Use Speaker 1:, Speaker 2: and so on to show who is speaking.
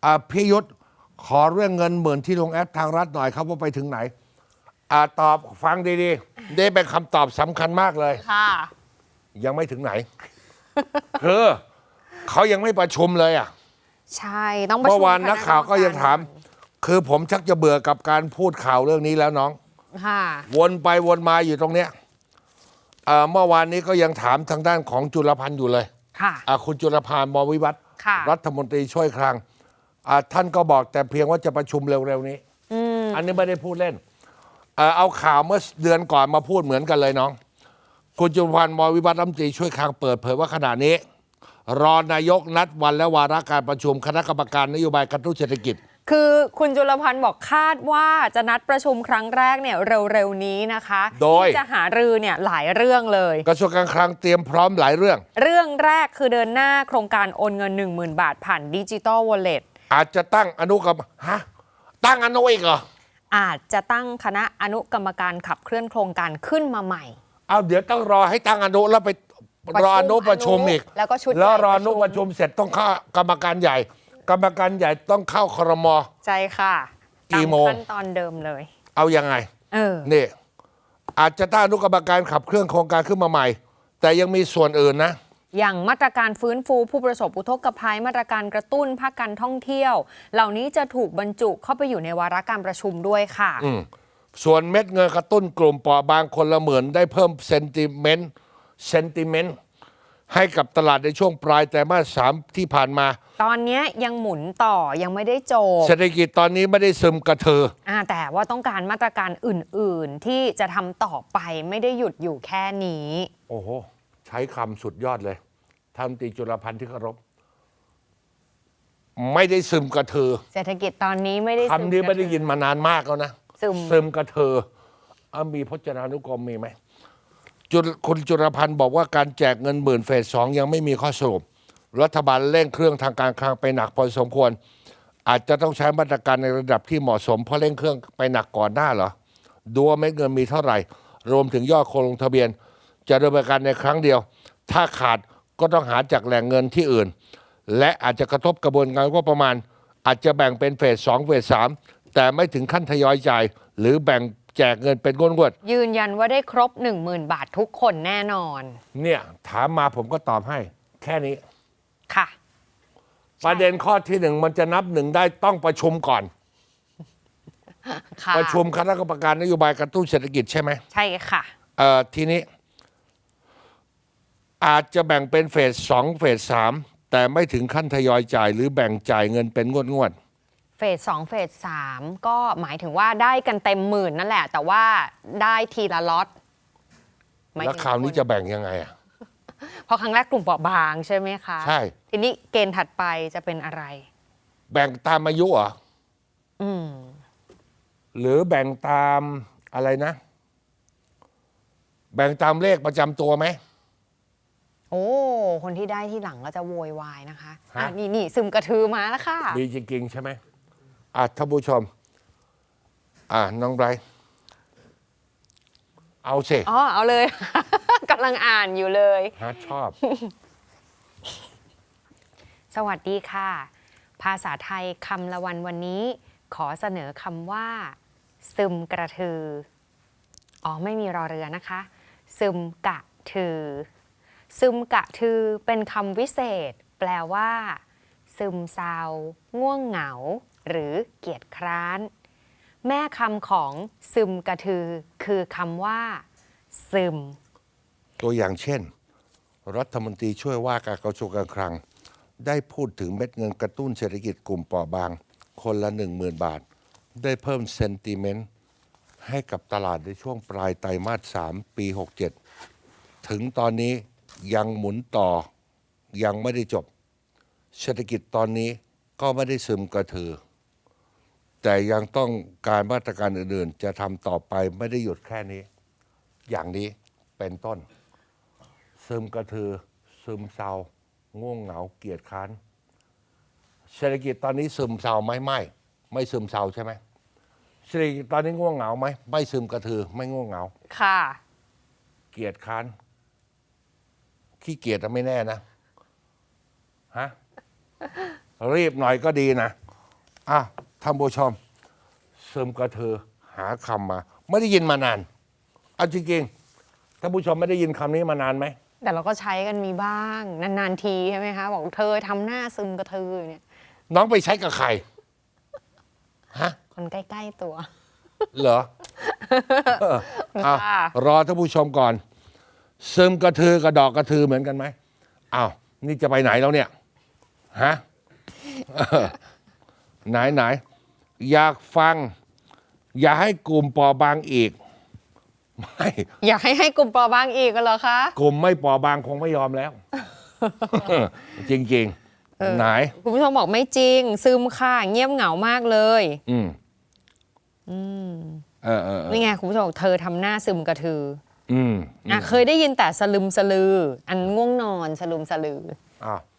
Speaker 1: พี่ยุทธขอเรื่องเงิน10,000ที่ลงแอปทางรัฐหน่อยครับว่าไปถึงไหนตอบฟังดีๆได้เป็นคำตอบสำคัญมากเลย
Speaker 2: ค่ะ
Speaker 1: ยังไม่ถึงไหน คือเขายังไม่ประชุมเลย
Speaker 2: ใช่ต้องประชุม
Speaker 1: เมื่อวานนักข่าวก็ยังถามคือผมชักจะเบื่อกับการพูดข่าวเรื่องนี้แล้วน้อง
Speaker 2: ค่ะ
Speaker 1: วนไปวนมาอยู่ตรงเนี้ยเมื่อวานนี้ก็ยังถามทางด้านของจุลพันธ์อยู่เลย
Speaker 2: ค่ะ
Speaker 1: คุณจุลพันธ์ มวิวัฒน์รัฐมนตรีช่วยคลังท่านก็บอกแต่เพียงว่าจะประชุมเร็วๆนี้อันนี้ไม่ได้พูดเล่นเอาข่าวเมื่อเดือนก่อนมาพูดเหมือนกันเลยน้องคุณจุลพันธ์ มวิวัฒน์รัฐมนตรีช่วยคลังเปิดเผยว่าขณะนี้รอนายกนัดวันและวาระการประชุมคณะกรรมการนโยบายกระตุ้นเศรษฐกิจ
Speaker 2: คือคุณจุลพันธ์บอกคาดว่าจะนัดประชุมครั้งแรกเนี่ยเร็วๆนี้นะคะ
Speaker 1: โดย
Speaker 2: จะหารือเนี่ยหลายเรื่องเลย
Speaker 1: กระทรวงการคลังเตรียมพร้อมหลายเรื่อง
Speaker 2: แรกคือเดินหน้าโครงการโอนเงิน 10,000 บาทผ่านดิจิตอลวอลเล็ต
Speaker 1: อาจจะตั้งอนุกรรมตั้งอนุอีกเหรอ
Speaker 2: อาจจะตั้งคณะอนุกรรมการขับเคลื่อนโครงการขึ้นมาใหม่
Speaker 1: เดี๋ยวต้องรอให้ตั้งอนุแล้วไปรออนุประชุมอีก
Speaker 2: แล้วก็ชุด
Speaker 1: แล้วรออนุประชุมเสร็จต้องเข้ากรรมการใหญ่กรรมการใหญ่ต้องเข้าครม.
Speaker 2: ใช่ค่ะ
Speaker 1: กี่โมง
Speaker 2: ขั้นตอนเดิมเลย
Speaker 1: เอายังไงนี่อาจจะตั้งอนุกรรมการขับเคลื่อนโครงการขึ้นมาใหม่แต่ยังมีส่วนอื่นนะ
Speaker 2: อย่างมาตรการฟื้นฟูผู้ประสบอุทกภัยมาตรการกระตุ้นภาคการท่องเที่ยวเหล่านี้จะถูกบรรจุเข้าไปอยู่ในวาระการประชุมด้วยค่ะ
Speaker 1: ส่วนเม็ดเงินกระตุ้นกลุ่มเปราะบางคนละหมื่นได้เพิ่มเซนติเมนต์ให้กับตลาดในช่วงปลายไตรมาส 3ที่ผ่านมา
Speaker 2: ตอนนี้ยังหมุนต่อยังไม่ได้จบ
Speaker 1: เศรษฐกิจตอนนี้ไม่ได้ซึมกระเทือ
Speaker 2: แต่ว่าต้องการมาตรการอื่นๆที่จะทำต่อไปไม่ได้หยุดอยู่แค่นี้
Speaker 1: โอ้โหใช้คำสุดยอดเลยท่านตีจุลพันธ์ที่เคารพไม่ได้ซึมกระเทือ
Speaker 2: เศรษฐกิจตอนนี้ไม่ได้
Speaker 1: คำนี้ไม่ได้ยินมานานมากแล้วนะซึมกระเทือมีพจนานุกรมมีไหมคุณจุลพันธ์บอกว่าการแจกเงิน10,000เฟส 2ยังไม่มีข้อสรุปรัฐบาลเร่งเครื่องทางการคลังไปหนักพอสมควรอาจจะต้องใช้มาตรการในระดับที่เหมาะสมเพราะเร่งเครื่องไปหนักก่อนหน้าเหรอดูว่าเม็ดเงินมีเท่าไหร่รวมถึงยอดคนลงทะเบียนจะดำเนินการในครั้งเดียวถ้าขาดก็ต้องหาจากแหล่งเงินที่อื่นและอาจจะกระทบกระบวนการงบประมาณอาจจะแบ่งเป็นเฟส 2เฟส 3แต่ไม่ถึงขั้นทยอยจ่ายหรือแบ่งแจกเงินเป็นงวด
Speaker 2: ยืนยันว่าได้ครบ 10,000 บาททุกคนแน่นอน
Speaker 1: เนี่ยถามมาผมก็ตอบให้แค่นี้
Speaker 2: ค่ะ
Speaker 1: ประเด็นข้อที่ 1มันจะนับ1ได้ต้องประชุมก่อนประชุมคณะกรรมการนโยบายกระตุ้นเศรษฐกิจใช่ไหม
Speaker 2: ใช่ค่ะ
Speaker 1: ทีนี้อาจจะแบ่งเป็นเฟส 2เฟส 3แต่ไม่ถึงขั้นทยอยจ่ายหรือแบ่งจ่ายเงินเป็นงวด
Speaker 2: เฟส 2เฟส 3ก็หมายถึงว่าได้กันเต็มหมื่นนั่นแหละแต่ว่าได้ทีละล็อต
Speaker 1: แล้วคราวนี้จะแบ่งยังไง
Speaker 2: เพราะครั้งแรกกลุ่มเปราะบางใช่ไหมคะ
Speaker 1: ใช่
Speaker 2: ทีนี้เกณฑ์ถัดไปจะเป็นอะไร
Speaker 1: แบ่งตามอายุเหรอหรือแบ่งตามอะไรนะแบ่งตามเลขประจำตัวไหม
Speaker 2: โอ้คนที่ได้ที่หลังก็จะโวยวายนะคะนี่ซึมกระทือมาแล้วค่ะ
Speaker 1: มีจริงๆใช่ไหมท่านผู้ชมน้องไบรท์เอาสิ
Speaker 2: เอาเลย กำลังอ่านอยู่เลย
Speaker 1: ชอบ
Speaker 2: สวัสดีค่ะภาษาไทยคำละวันนี้ขอเสนอคำว่าซึมกระทือไม่มีรอเรือนะคะซึมกะทือซึมกะทือเป็นคำวิเศษแปลว่าซึมเศร้าง่วงเหงาหรือเกียจคร้านแม่คำของซึมกระทือคือคำว่าซึม
Speaker 1: ตัวอย่างเช่นรัฐมนตรีช่วยว่าการกระทรวงการคลังได้พูดถึงเม็ดเงินกระตุ้นเศรษฐกิจกลุ่มเปราะบางคนละ 10,000 บาทได้เพิ่มเซนติเมนต์ให้กับตลาดในช่วงปลายไตรมาส 3 ปี 67ถึงตอนนี้ยังหมุนต่อยังไม่ได้จบเศรษฐกิจตอนนี้ก็ไม่ได้ซึมกระทือแต่ยังต้องการมาตรการอื่นๆจะทำต่อไปไม่ได้หยุดแค่นี้อย่างนี้เป็นต้นซึมกระทือซึมเศร้าง่วงเหงาเกียจคร้านเศรษฐกิจตอนนี้ซึมเศร้าไหมไม่ซึมเศร้าใช่ไหมเศรษฐกิจตอนนี้ง่วงเหงาไหมไม่ซึมกระทือไม่ง่วงเหงา
Speaker 2: ค่ะ
Speaker 1: เกียจคร้านขี้เกียจไม่แน่นะรีบหน่อยก็ดีนะท่านผู้ชมซึมกระเทือหาคำมา ไม่ได้ยินมานานเอาจริงๆท่านผู้ชมไม่ได้ยินคำนี้มานานไหม
Speaker 2: แต่เราก็ใช้กันมีบ้าง นานๆทีใช่ไหมคะ บอกเธอทำหน้าซึมกระเทืออยู่เนี่ย
Speaker 1: น้องไปใช้กับใครฮะ
Speaker 2: คนใกล้ๆตัว
Speaker 1: เหรออ้าว
Speaker 2: ค่ะ
Speaker 1: รอท่านผู้ชมก่อน ซึมกระทือกับดอกกระทือเหมือนกันไหมอ้าวนี่จะไปไหนแล้วเนี่ยฮะ ไหนอยากฟัง อย่าให้กลุ่มปอบางอีก ไม่
Speaker 2: อยากให้กลุ่มเปราะบางอีกกันเหรอคะ
Speaker 1: กลุ่มไม่ปอบางคงไม่ยอมแล้ว จริงๆไหน
Speaker 2: คุณผู้ชมบอกไม่จริง ซึมค่ะเงียบเหงามากเลย นี่ไงคุณผู้ชมบอกเธอทำหน้าซึมกระทือเคยได้ยินแต่สลึมสลือ อันง่วงนอนสลึมสลือ
Speaker 1: อ้าว